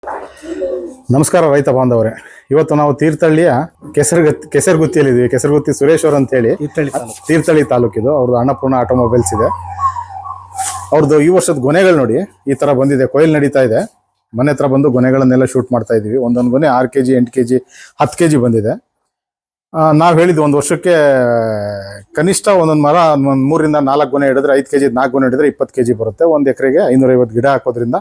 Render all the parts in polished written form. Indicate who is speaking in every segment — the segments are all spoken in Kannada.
Speaker 1: ನಮಸ್ಕಾರ ರೈತ ಬಾಂಧವರೇ. ಇವತ್ತು ನಾವು ತೀರ್ಥಹಳ್ಳಿಯ ಕೆಸರಗುತ್ತಿಯಲ್ಲಿದ್ದೀವಿ. ಕೆಸರಗುತ್ತಿ ಸುರೇಶ್ ಅವರು ಅಂತ ಹೇಳಿ, ತೀರ್ಥಹಳ್ಳಿ ತಾಲೂಕಿದು. ಅವ್ರದ್ದು ಅನ್ನಪೂರ್ಣ ಆಟೋಮೊಬೈಲ್ಸ್ ಇದೆ. ಅವ್ರದ್ದು ಈ ವರ್ಷದ ಗೊನೆಗಳು ನೋಡಿ ಈ ತರ ಬಂದಿದೆ. ಕೊಯ್ಲು ನಡೀತಾ ಇದೆ. ಮನೆ ಹತ್ರ ಬಂದು ಗೊನೆಗಳನ್ನೆಲ್ಲ ಶೂಟ್ ಮಾಡ್ತಾ ಇದೀವಿ. ಒಂದೊಂದು ಗೊನೆ 6 kg 8 kg 10 kg ಬಂದಿದೆ. ನಾವು ಹೇಳಿದ್ವಿ ಒಂದು ವರ್ಷಕ್ಕೆ ಕನಿಷ್ಠ ಒಂದೊಂದು ಮರ 3 ರಿಂದ 4 ಗೊನೆ ಹಿಡಿದ್ರೆ 5 kg 4 ಗೊನೆ ಹಿಡಿದ್ರೆ 20 kg ಬರುತ್ತೆ. ಒಂದು ಎಕರೆಗೆ 550 ಗಿಡ ಹಾಕೋದ್ರಿಂದ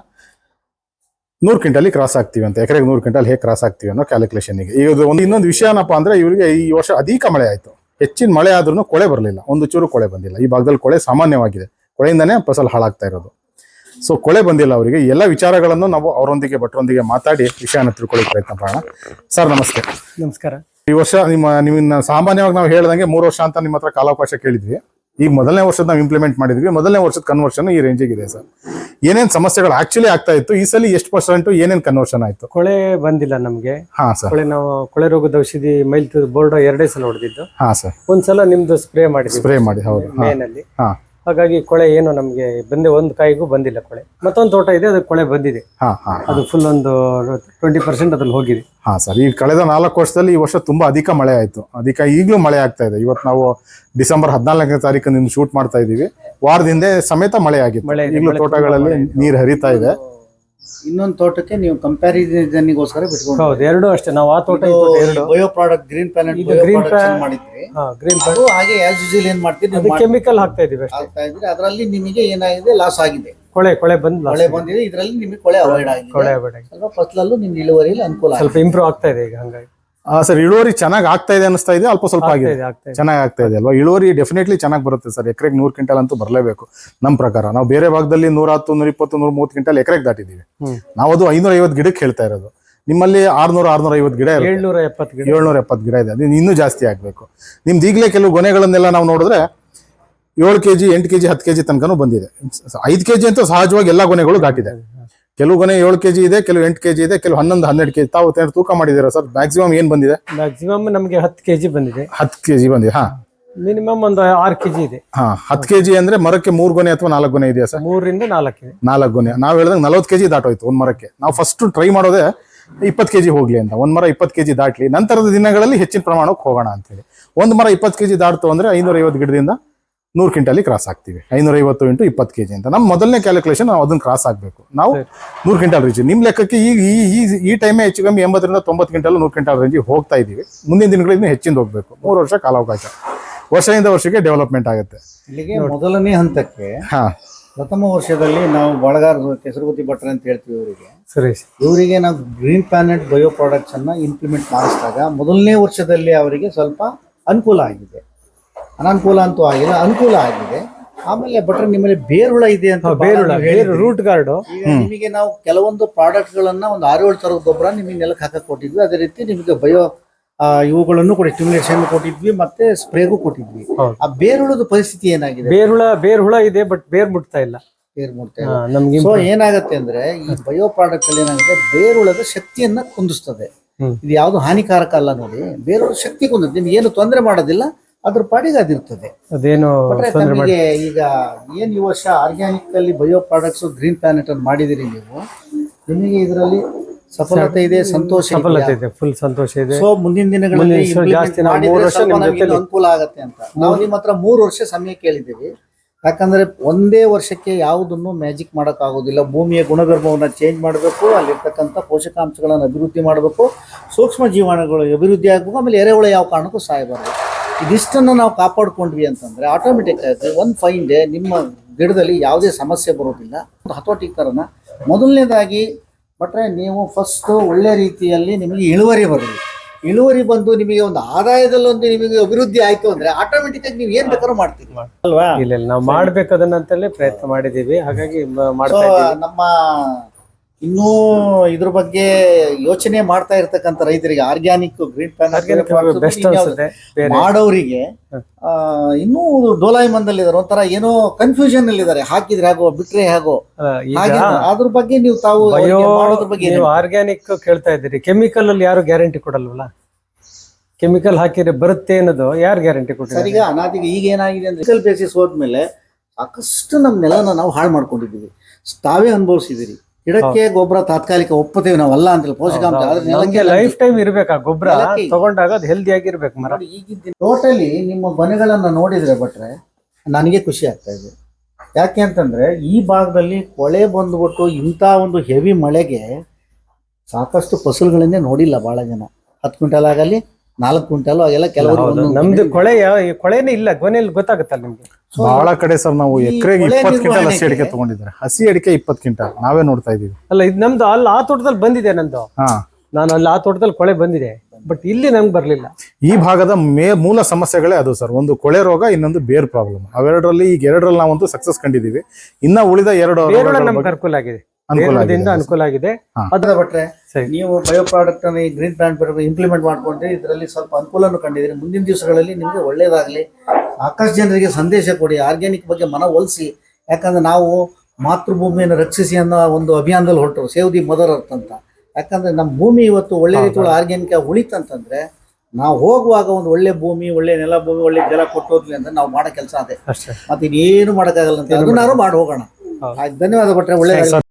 Speaker 1: 100 ಕ್ವಿಂಟಲ್ ಕ್ರಾಸ್ ಆಗ್ತೀವಿ ಅಂತ. ಎಕರೆಗೆ 100 ಕ್ವಿಂಟಲ್ ಹೇಗೆ ಕ್ರಾಸ್ ಆಗ್ತೀವಿ ಅನ್ನೋ ಕ್ಯಾಲ್ಕುಲೇಷನ್ಗೆ. ಈಗ ಇನ್ನೊಂದು ವಿಷಯ ಏನಪ್ಪ ಅಂದ್ರೆ, ಇವರಿಗೆ ಈ ವರ್ಷ ಅಧಿಕ ಮಳೆ ಆಯಿತು. ಹೆಚ್ಚಿನ ಮಳೆ ಆದ್ರೂ ಕೊಳೆ ಬರಲಿಲ್ಲ, ಒಂದು ಚೂರು ಕೊಳೆ ಬಂದಿಲ್ಲ. ಈ ಭಾಗದಲ್ಲಿ ಕೊಳೆ ಸಾಮಾನ್ಯವಾಗಿದೆ. ಕೊಳೆಯಿಂದನೇ ಫಸಲು ಹಾಳಾಗ್ತಾ ಇರೋದು. ಸೊ ಕೊಳೆ ಬಂದಿಲ್ಲ ಅವರಿಗೆ. ಎಲ್ಲ ವಿಚಾರಗಳನ್ನು ನಾವು ಅವರೊಂದಿಗೆ ಭಟ್ರೊಂದಿಗೆ ಮಾತಾಡಿ ವಿಷಯನ ತಿಳ್ಕೊಳ್ಳೋಕೆ ಪ್ರಯತ್ನ ಮಾಡೋಣ. ಸರ್ ನಮಸ್ತೆ.
Speaker 2: ನಮಸ್ಕಾರ.
Speaker 1: ಈ ವರ್ಷ ನಿಮ್ಮನ್ನ ಸಾಮಾನ್ಯವಾಗಿ ನಾವು ಹೇಳ್ದಂಗೆ 3 ವರ್ಷ ಅಂತ ನಿಮ್ಮ ಹತ್ರ ಕಾಲಾವಕಾಶ ಕೇಳಿದ್ವಿ. ಈಗ ಮೊದಲನೇ ವರ್ಷದ ನಾವು ಇಂಪ್ಲಿಮೆಂಟ್ ಮಾಡಿದ್ವಿ. ಮೊದಲನೇ ವರ್ಷದ ಕನ್ವರ್ಷನ್ ಈ ರೇಂಜಿಗೆ ಇದೆ ಸರ್. ಏನೇನ್ ಸಮಸ್ಯೆಗಳು ಆಕ್ಚುಲಿ ಆಗ್ತಾ ಇತ್ತು, ಈ ಸಲ ಎಷ್ಟು % ಏನೇನ್ ಕನ್ವರ್ಷನ್ ಆಯ್ತು?
Speaker 2: ಕೊಳೆ ಬಂದಿಲ್ಲ ನಮ್ಗೆ.
Speaker 1: ಹಾ ಸರ್.
Speaker 2: ನಾವು ಕೊಳೆ ರೋಗದ ಔಷಧಿ ಮೈಲ್ ಬೋರ್ಡ್ 2 ಸಲ ಹೊಡೆದಿದ್ದು.
Speaker 1: ಹಾ ಸರ್.
Speaker 2: ಒಂದ್ಸಲ ನಿಮ್ದು ಸ್ಪ್ರೇ ಮಾಡಿ ಹೌದು ಮೇನಲ್ಲಿ. ಹಾಗಾಗಿ ಕೊಳೆ ಏನು ನಮ್ಗೆ ಒಂದು ಕಾಯಿಗೂ ಬಂದಿಲ್ಲ ಕೊಳೆ. ಮತ್ತೊಂದು ತೋಟ ಇದೆ, ಅದಕ್ಕೆ ಕೊಳೆ ಬಂದಿದೆ. ಅದು ಫುಲ್ ಒಂದು 20% ಅದ್ರಲ್ಲಿ ಹೋಗಿದೆ.
Speaker 1: ಹಾ ಸರ್. ಈ ಕಳೆದ 4 ವರ್ಷದಲ್ಲಿ ಈ ವರ್ಷ ತುಂಬಾ ಅಧಿಕ ಮಳೆ ಆಯ್ತು. ಈಗಲೂ ಮಳೆ ಆಗ್ತಾ ಇದೆ. ಇವತ್ತು ನಾವು ಡಿಸೆಂಬರ್ 14ನೇ ತಾರೀಕು ನಿಮ್ಗೆ ಶೂಟ್ ಮಾಡ್ತಾ ಇದೀವಿ. ವಾರದಿಂದ ಸಮೇತ ಮಳೆ ಆಗಿತ್ತು. ಈಗಲೂ ತೋಟಗಳಲ್ಲಿ ನೀರು ಹರಿತಾ ಇದೆ.
Speaker 3: ಇನ್ನೊಂದು ತೋಟಕ್ಕೆ ನೀವು ಕಂಪ್ಯಾರಿಸನ್ಗೋಸ್ಕರ ಬಿಟ್ಕೊಂಡು
Speaker 2: ಹೌದು, ಎರಡು ಅಷ್ಟೇ. ನಾವು ಆ ತೋಟ
Speaker 3: ಬಯೋ ಪ್ರಾಡಕ್ಟ್ ಗ್ರೀನ್ ಪ್ಲಾನೆಟ್ ಮಾಡಿದ್ವಿ.
Speaker 2: ಗ್ರೀನ್
Speaker 3: ಹಾಗೆ ಆಸ್ ಯೂಶುವಲ್ ಏನ್ ಮಾಡ್ತೀವಿ,
Speaker 2: ಕೆಮಿಕಲ್ ಹಾಕ್ತಾ ಇದೀವಿ.
Speaker 3: ಅದರಲ್ಲಿ ನಿಮಗೆ ಏನಾಗಿದೆ, ಲಾಸ್ ಆಗಿದೆ.
Speaker 2: ಕೊಳೆ
Speaker 3: ಬಂದಿದೆ. ಇದರಲ್ಲಿ ನಿಮಗೆ ಕೊಳೆ ಅವಾಯ್ಡ್ ಆಗಿದೆ. ಸ್ವಲ್ಪ ಫಸಲಲ್ಲೂ ನಿಮ್ಗೆ ಇಳುವರಿಯಲ್ಲಿ ಅನುಕೂಲ,
Speaker 2: ಸ್ವಲ್ಪ ಇಂಪ್ರೂವ್ ಆಗ್ತಾ ಇದೆ ಈಗ. ಹಂಗಾಗಿ
Speaker 1: ಸರ್ ಇಳುವರಿ ಚೆನ್ನಾಗಿ ಆಗ್ತಾ ಇದೆ ಅನಿಸ್ತಾ ಇದೆ. ಅಲ್ಪ ಸ್ವಲ್ಪ ಆಗಿದೆ, ಚೆನ್ನಾಗಿ ಆಗ್ತಾ ಇದೆ ಅಲ್ವಾ? ಇಳುವರಿ ಡೆಫಿನೆಟ್ಲಿ ಚೆನ್ನಾಗಿ ಬರುತ್ತೆ ಸರ್. ಎಕರೆಗೆ 100 ಕ್ವಿಂಟಲ್ ಅಂತೂ ಬರಲೇಬೇಕು ನಮ್ಮ ಪ್ರಕಾರ. ನಾವು ಬೇರೆ ಭಾಗದಲ್ಲಿ 110 120 130 ಕ್ವಿಂಟಲ್ ಎಕರೆಗೆ ದಾಟಿದೀವಿ. ನಾವು ಅದು 550 ಗಿಡಕ್ಕೆ ಹೇಳ್ತಾ ಇರೋದು. ನಿಮ್ಮಲ್ಲಿ 600 650 ಗಿಡ, 770 ಗಿಡ ಇದೆ. ಅದು ಇನ್ನೂ ಜಾಸ್ತಿ ಆಗ್ಬೇಕು. ನಿಮ್ದು ಈಗಲೇ ಕೆಲವು ಗೊನೆಗಳನ್ನೆಲ್ಲ ನಾವು ನೋಡಿದ್ರೆ 7 kg 8 kg 10 kg ತನಕನೂ ಬಂದಿದೆ. 5 kg ಅಂತೂ ಸಹಜವಾಗಿ ಎಲ್ಲಾ ಗೊನೆಗಳು ದಾಟಿದೆ. ಕೆಲವು ಗೊನೆ 7 kg ಇದೆ, ಕೆಲವು 8 kg ಇದೆ, ಕೆಲವು 11 12 kg. ತಾವು ತೂಕ ಮಾಡಿದ್ದೀರಾ ಸರ್? ಮ್ಯಾಕ್ಸಿಮಮ್ ಏನ್ ಬಂದಿದೆ?
Speaker 2: ಮ್ಯಾಕ್ಸಿಮಮ್ ನಮಗೆ 10 kg ಬಂದಿದೆ.
Speaker 1: 10 kg ಬಂದಿದೆ.
Speaker 2: ಮಿನಿಮಮ್ ಒಂದು 6 kg ಇದೆ.
Speaker 1: 10 kg ಅಂದ್ರೆ ಮರಕ್ಕೆ 3 ಗೊನೆ ಅಥವಾ 4 ಗೊನೆ ಇದೆಯಾ ಸರ್?
Speaker 2: 3 ರಿಂದ 4 ಇದೆ.
Speaker 1: 4 ಗೊನೆ. ನಾವು ಹೇಳಿದಂಗೆ 40 kg ದಾಟೋಯ್ತು ಒಂದ್ ಮರಕ್ಕೆ. ನಾವು ಫಸ್ಟ್ ಟ್ರೈ ಮಾಡೋದೇ 20 kg ಹೋಗ್ಲಿ ಅಂತ. ಒಂದ್ ಮರ 20 kg ದಾಟ್ಲಿ, ನಂತರದ ದಿನಗಳಲ್ಲಿ ಹೆಚ್ಚಿನ ಪ್ರಮಾಣಕ್ಕೆ ಹೋಗೋಣ ಅಂತೇಳಿ. ಒಂದ್ ಮರ 20 kg ದಾಟ್ತು ಅಂದ್ರೆ 550 ಗಿಡದಿಂದ 100 ಕ್ವಿಂಟಲ್ ಕ್ರಾಸ್ ಆಗ್ತೀವಿ. 550 × 20 kg ಅಂತ ನಮ್ಮ ಮೊದಲನೇ ಕ್ಯಾಲ್ಕುಲೇಷನ್. ನಾವು ಅದನ್ನ ಕ್ರಾಸ್ ಆಗ್ಬೇಕು. ನಾವು 100 ಕ್ವಿಂಟಲ್ ರೀಚ್. ನಿಮ್ ಲೆಕ್ಕಕ್ಕೆ ಈ ಟೈಮೇ ಹೆಚ್ಚು ಕಮ್ಮಿ 80 ರಿಂದ 90 ಕ್ವಿಂಟಲ್ 100 ಕ್ವಿಂಟಲ್ ರೇಂಜಿಗೆ ಹೋಗ್ತಾ ಇದೀವಿ. ಮುಂದಿನ ದಿನಗಳಿಂದ ಹೆಚ್ಚಿಂದ ಹೋಗ್ಬೇಕು. 3 ವರ್ಷ ಕಾಲಾವಕಾಶ. ವರ್ಷದಿಂದ ವರ್ಷಕ್ಕೆ ಡೆವಲಪ್ಮೆಂಟ್ ಆಗುತ್ತೆ.
Speaker 3: ಇಲ್ಲಿಗೆ ಮೊದಲನೇ ಹಂತಕ್ಕೆ ಪ್ರಥಮ ವರ್ಷದಲ್ಲಿ ನಾವು ಬಳಗಾರ ಕೆಸರಗುತ್ತಿ ಭಟ್ರ ಅಂತ ಹೇಳ್ತೀವಿ ಇವರಿಗೆ ನಾವು ಗ್ರೀನ್ ಪ್ಲಾನೆಟ್ ಬಯೋ ಪ್ರಾಡಕ್ಟ್ಸ್ ಅನ್ನ ಇಂಪ್ಲಿಮೆಂಟ್ ಮಾಡಿಸಿದಾಗ ಮೊದಲನೇ ವರ್ಷದಲ್ಲಿ ಅವರಿಗೆ ಸ್ವಲ್ಪ ಅನುಕೂಲ ಆಗಿದೆ. ಅನಾನುಕೂಲ ಅಂತೂ ಆಗಿಲ್ಲ, ಅನುಕೂಲ ಆಗಿದೆ. ಆಮೇಲೆ ಭಟ್ರ ನಿಮ್ಮಲ್ಲಿ ಬೇರುಳ ಇದೆ ಅಂತ,
Speaker 2: ರೂಟ್ ಗಾರ್ಡ್.
Speaker 3: ನಿಮಗೆ ನಾವು ಕೆಲವೊಂದು ಪ್ರಾಡಕ್ಟ್ ಗಳನ್ನ ಒಂದು 6-7 ತರದ ಗೊಬ್ಬರ ನಿಮಗೆ ನೆಲಕ್ಕೆ ಹಾಕಕ್ ಕೊಟ್ಟಿದ್ವಿ. ಅದೇ ರೀತಿ ನಿಮಗೆ ಬಯೋ ಇವುಗಳನ್ನು ಕೂಡ ಸ್ಟಿಮ್ಯುಲೇಷನ್ ಕೊಟ್ಟಿದ್ವಿ, ಮತ್ತೆ ಸ್ಪ್ರೇಗೂ ಕೊಟ್ಟಿದ್ವಿ. ಆ ಬೇರುಳದ ಪರಿಸ್ಥಿತಿ ಏನಾಗಿದೆ?
Speaker 2: ಬೇರುಳ ಇದೆ, ಬಟ್ ಬೇರ್ ಮುಟ್ತಾ ಇಲ್ಲ.
Speaker 3: ಸೊ ಏನಾಗುತ್ತೆ ಅಂದ್ರೆ, ಈ ಬಯೋ ಪ್ರಾಡಕ್ಟ್ ಅಲ್ಲಿ ಏನಾಗುತ್ತೆ, ಬೇರುಳದ ಶಕ್ತಿಯನ್ನ ಕುಂದಿಸ್ತದೆ. ಇದು ಯಾವ್ದು ಹಾನಿಕಾರಕ ಅಲ್ಲ ನೋಡಿ. ಬೇರುಳ ಶಕ್ತಿ ಕುಂದಿಸ್ತದೆ, ನಿಮ್ಗೆ ಏನು ತೊಂದರೆ ಮಾಡೋದಿಲ್ಲ, ಅದ್ರ ಪಾಡಿಗೆ ಅದಿರ್ತದೆ.
Speaker 2: ಅದೇನು
Speaker 3: ನಮಗೆ ಈಗ ಏನ್ ಈ ವರ್ಷ ಆರ್ಗ್ಯಾನಿಕ್ ಅಲ್ಲಿ ಬಯೋ ಪ್ರಾಡಕ್ಟ್ಸ್ ಗ್ರೀನ್ ಪ್ಲಾನೆಟ್ ಅನ್ನು ಮಾಡಿದಿರಿ ನೀವು, ನಿಮಗೆ ಇದರಲ್ಲಿ ಸಫಲತೆ ಇದೆ, ಸಂತೋಷ
Speaker 2: ಇದೆ, ಫುಲ್ ಸಂತೋಷ ಇದೆ.
Speaker 3: ಸೊ ಮುಂದಿನ ದಿನಗಳಲ್ಲಿ ಅನುಕೂಲ ಆಗತ್ತೆ ಅಂತ ನಾವು ನಿಮ್ಮ ಹತ್ರ 3 ವರ್ಷ ಸಮಯ ಕೇಳಿದ್ದೀವಿ. ಯಾಕಂದ್ರೆ ಒಂದೇ ವರ್ಷಕ್ಕೆ ಯಾವುದನ್ನು ಮ್ಯಾಜಿಕ್ ಮಾಡಕ್ ಆಗೋದಿಲ್ಲ. ಭೂಮಿಯ ಗುಣಧರ್ಮವನ್ನ ಚೇಂಜ್ ಮಾಡಬೇಕು, ಅಲ್ಲಿರ್ತಕ್ಕಂಥ ಪೋಷಕಾಂಶಗಳನ್ನು ಅಭಿವೃದ್ಧಿ ಮಾಡಬೇಕು, ಸೂಕ್ಷ್ಮ ಜೀವಾಣುಗಳು ಅಭಿವೃದ್ಧಿ ಆಗಬೇಕು, ಆಮೇಲೆ ಎರೆಹುಳ ಯಾವ ಕಾರಣಕ್ಕೂ ಸಾಯಬಾರದು. ಇದಿಷ್ಟನ್ನು ನಾವು ಕಾಪಾಡ್ಕೊಂಡ್ವಿ ಅಂತಂದ್ರೆ ಆಟೋಮೆಟಿಕ್ ಆಗಿ ಒಂದು ಫೈನ್ ಡೇ ನಿಮ್ಮ ಗಿಡದಲ್ಲಿ ಯಾವುದೇ ಸಮಸ್ಯೆ ಬರೋದಿಲ್ಲ. ಹತೋಟಿಕರಣ ಮೊದಲನೇದಾಗಿ ಬಟ್ರೆ ನೀವು ಫಸ್ಟ್ ಒಳ್ಳೆ ರೀತಿಯಲ್ಲಿ ನಿಮಗೆ ಇಳುವರಿ ಬಂದು ನಿಮಗೆ ಒಂದು ಆದಾಯದಲ್ಲೊಂದು ನಿಮಗೆ ಅಭಿವೃದ್ಧಿ ಆಯ್ತು ಅಂದ್ರೆ ಆಟೋಮೆಟಿಕ್ ಆಗಿ ನೀವು ಏನ್ ಬೇಕಾದ್ರೂ ಮಾಡ್ತೀವಿ
Speaker 2: ಅಲ್ವಾ? ಇಲ್ಲ, ನಾವು ಮಾಡ್ಬೇಕದನ್ನಂತಲೇ ಪ್ರಯತ್ನ ಮಾಡಿದೀವಿ. ಹಾಗಾಗಿ
Speaker 3: ನಮ್ಮ ಇನ್ನೂ ಇದ್ರ ಬಗ್ಗೆ ಯೋಚನೆ ಮಾಡ್ತಾ ಇರ್ತಕ್ಕಂಥ ರೈತರಿಗೆ ಆರ್ಗ್ಯಾನಿಕ್ ಗ್ರೀನ್ ಪ್ಲಾನೆಟ್ ಮಾಡೋರಿಗೆ ಇನ್ನೂ ಡೋಲಾಯಿಮಂದಲ್ಲಿದ್ದಾರೆ, ಒಂಥರ ಏನೋ ಕನ್ಫ್ಯೂಷನ್ ಅಲ್ಲಿ ಇದ್ದಾರೆ. ಹಾಕಿದ್ರೆ ಹೇಗೋ, ಬಿಟ್ರೆ ಹೇಗೋ, ಅದ್ರ ಬಗ್ಗೆ ನೀವು ತಾವು
Speaker 2: ಆರ್ಗ್ಯಾನಿಕ್ ಕೇಳ್ತಾ ಇದ್ದೀರಿ. ಕೆಮಿಕಲ್ ಅಲ್ಲಿ ಯಾರು ಗ್ಯಾರಂಟಿ ಕೊಡಲ್ವಲ್ಲ? ಕೆಮಿಕಲ್ ಹಾಕಿದ್ರೆ ಬರುತ್ತೆ ಅನ್ನೋದು ಯಾರು ಗ್ಯಾರಂಟಿ ಕೊಡ್ತಾರೆ?
Speaker 3: ಈಗ ಅನಾದಿಗೆ ಈಗ ಏನಾಗಿದೆ ಅಂದ್ರೆ ಬೇಸಿಸ್ ಹೋದ್ಮೇಲೆ ಸಾಕಷ್ಟು ನಮ್ಮ ನೆಲನ ನಾವು ಹಾಳು ಮಾಡ್ಕೊಂಡಿದ್ದೀವಿ. ತಾವೇ ಅನುಭವಿಸಿದಿರಿ, ಗಿಡಕ್ಕೆ ಗೊಬ್ಬರ ತಾತ್ಕಾಲಿಕ ಒಪ್ಪುತ್ತೇವೆ ನಾವಲ್ಲ ಅಂತಿಲ್ಲ, ಪೋಷಕಾಂಶ ಆದ್ರೆ
Speaker 2: ನಮ್ಗೆ
Speaker 3: ನೆಲಕ್ಕೆ
Speaker 2: ಲೈಫ್ ಟೈಮ್ ಇರ್ಬೇಕು ಆ ಗೊಬ್ಬರ
Speaker 3: ನೆಲಕ್ಕೆ
Speaker 2: ತಗೊಂಡಾಗ ಅದು ಹೆಲ್ದಿ ಆಗಿರ್ಬೇಕು ಮರ.
Speaker 3: ನೋಡಿ ಈಗಿದ್ದ ಟೋಟಲಿ ನಿಮ್ಮ ಮನೆಗಳನ್ನ ನೋಡಿದ್ರೆ ಭಟ್ರೆ ನನಗೆ ಖುಷಿ ಆಗ್ತಾ ಇದೆ. ಯಾಕೆ ಅಂತಂದ್ರೆ ಈ ಭಾಗದಲ್ಲಿ ಕೊಳೆ ಬಂದ್ಬಿಟ್ಟು ಇಂಥ ಒಂದು ಹೆವಿ ಮಳೆಗೆ ಸಾಕಷ್ಟು ಫಸಲುಗಳನ್ನೇ ನೋಡಿಲ್ಲ ಬಹಳ ಜನ. 10 ಕ್ವಿಂಟಲ್ ಆಗಲಿ 4 ಕ್ವಿಂಟಲ್ ಆಗೆಲ್ಲ ಕೆಲವರು
Speaker 2: ನಮ್ದು ಕೊಳೆನೇ ಇಲ್ಲ, ಕೊನೆಯಲ್ಲಿ ಗೊತ್ತಾಗುತ್ತಲ್ಲ ನಿಮ್ಗೆ.
Speaker 1: ಬಹಳ ಕಡೆ ಸರ್ ನಾವು
Speaker 3: ಈ
Speaker 1: ಎಕರೆಗೆ
Speaker 3: ಕೊಳೆ
Speaker 1: 20 ಕ್ವಿಂಟಲ್ ಹಸಿ
Speaker 3: ನಿರ್ವಹಣೆಗೆ
Speaker 1: ಅಡಿಕೆ ತಗೊಂಡಿದ್ದಾರೆ. ಹಸಿ ಅಡಿಕೆ 20 ಕ್ವಿಂಟಲ್ ನಾವೇ ನೋಡ್ತಾ ಇದೀವಿ.
Speaker 2: ಅಲ್ಲ ಇದು ನಮ್ದು ಅಲ್ಲಿ ಆ ತೋಟದಲ್ಲಿ ಬಂದಿದೆ ನಂದು,
Speaker 1: ಹಾ,
Speaker 2: ನಾನು ಅಲ್ಲಿ ಆ ತೋಟದಲ್ಲಿ ಕೊಳೆ ಬಂದಿದೆ, ಬಟ್ ಇಲ್ಲಿ ನಮ್ಗೆ ಬರ್ಲಿಲ್ಲ.
Speaker 1: ಈ ಭಾಗದ ಮೂಲ ಸಮಸ್ಯೆಗಳೇ ಅದು ಸರ್. ಒಂದು ಕೊಳೆ ರೋಗ, ಇನ್ನೊಂದು ಬೇರ್ ಪ್ರಾಬ್ಲಮ್. ಅವೆರಡರಲ್ಲಿ ಈಗ 2ರಲ್ಲಿ ನಾವಂತೂ ಸಕ್ಸಸ್ ಕಂಡಿದೀವಿ. ಇನ್ನ ಉಳಿದ 2
Speaker 2: ಬೇರೊಳಗೆ ನಮ್ಗೆ ಅನುಕೂಲ ಆಗಿದೆ, ಬೇರೊಳದಿಂದ ಅನುಕೂಲ ಆಗಿದೆ.
Speaker 3: ಅದ್ರ ಭಟ್ರೆ
Speaker 2: ಸರಿ.
Speaker 3: ನೀವು ಬಯೋ ಪ್ರಾಡಕ್ಟ್ ಅನ್ನು ಈ ಗ್ರೀನ್ ಪ್ಲಾಂಟ್ ಇಂಪ್ಲಿಮೆಂಟ್ ಮಾಡ್ಕೊಂಡ್ರೆ ಇದರಲ್ಲಿ ಸ್ವಲ್ಪ ಅನುಕೂಲನೂ ಕಂಡಿದ್ದೀರಿ. ಮುಂದಿನ ದಿವಸಗಳಲ್ಲಿ ನಿಮಗೆ ಒಳ್ಳೇದಾಗಲಿ. ಸಾಕಷ್ಟು ಜನರಿಗೆ ಸಂದೇಶ ಕೊಡಿ, ಆರ್ಗ್ಯಾನಿಕ್ ಬಗ್ಗೆ ಮನವೊಲಿಸಿ. ಯಾಕಂದ್ರೆ ನಾವು ಮಾತೃಭೂಮಿಯನ್ನು ರಕ್ಷಿಸಿ ಅನ್ನೋ ಒಂದು ಅಭಿಯಾನದಲ್ಲಿ ಹೊರಟರು, ಸೇವ್ ದಿ ಮದರ್ ಅರ್ತ್ ಅಂತ. ಯಾಕಂದ್ರೆ ನಮ್ಮ ಭೂಮಿ ಇವತ್ತು ಒಳ್ಳೆ ರೀತಿಯಲ್ಲಿ ಆರ್ಗ್ಯಾನಿಕ್ ಆಗಿ ಉಳಿತಂತಂದ್ರೆ ನಾವು ಹೋಗುವಾಗ ಒಂದು ಒಳ್ಳೆ ಭೂಮಿ, ಒಳ್ಳೆ ನೆಲ ಭೂಮಿ, ಒಳ್ಳೆ ಜಲ ಕೊಟ್ಟು ಹೋದ್ವಿ ಅಂದ್ರೆ ನಾವು ಮಾಡೋ ಕೆಲಸ ಅದೇ.
Speaker 2: ಅಷ್ಟೇ.
Speaker 3: ಮತ್ತೆ ಇನ್ನೇನು ಮಾಡೋಕ್ಕಾಗಲ್ಲ ಅಂತ ಅದನ್ನಾರು ಮಾಡಿ ಹೋಗೋಣ. ಆಯ್ತು, ಧನ್ಯವಾದ ಭಟ್ರೆ, ಒಳ್ಳೆ